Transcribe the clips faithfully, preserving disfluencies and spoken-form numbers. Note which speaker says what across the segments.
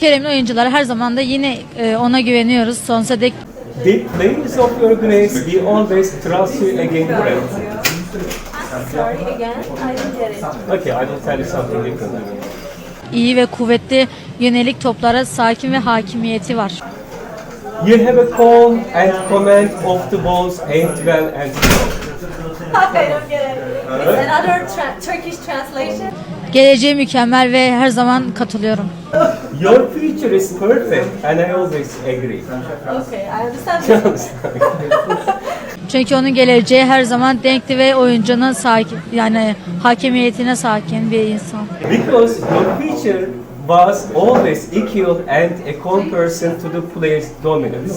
Speaker 1: Kerem'in oyuncuları her zaman da yine e, ona güveniyoruz sonsuza dek.
Speaker 2: The players of your grace, we always trust you again, friend.
Speaker 3: Sorry again, I didn't get it.
Speaker 2: Okay, I will tell you something different.
Speaker 1: İyi ve kuvvetli yönelik toplara sakin ve hakimiyeti var.
Speaker 2: You have a calm and command of the balls, aimed well and strong.
Speaker 3: I don't get it. It's another tra- Turkish translation.
Speaker 1: Geleceği mükemmel ve her zaman katılıyorum.
Speaker 2: Your future is perfect and I always agree.
Speaker 3: Okay, I understand.
Speaker 1: Çünkü onun geleceği her zaman denkli ve oyuncunun sakin, yani hakimiyetine sakin bir insan.
Speaker 2: Because your future was always equal and a comparison to the player's dominance.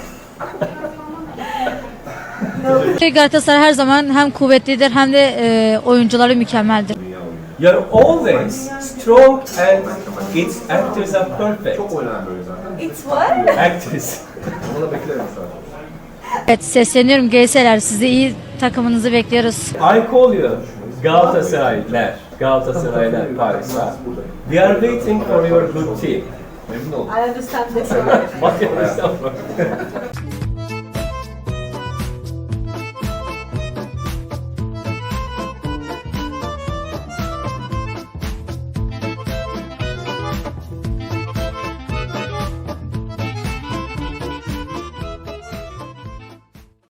Speaker 1: Galatasaray her zaman hem kuvvetlidir hem de e, oyuncuları mükemmeldir.
Speaker 2: You're always strong and its actors are perfect.
Speaker 3: It's what?
Speaker 2: Actors.
Speaker 1: Evet, sesleniyorum Geyseler, sizi iyi takımınızı bekliyoruz.
Speaker 2: I call you Galatasaraylar. Galatasaraylar Paris'ta. We are waiting for your good team.
Speaker 3: I understand this.
Speaker 2: What you understand?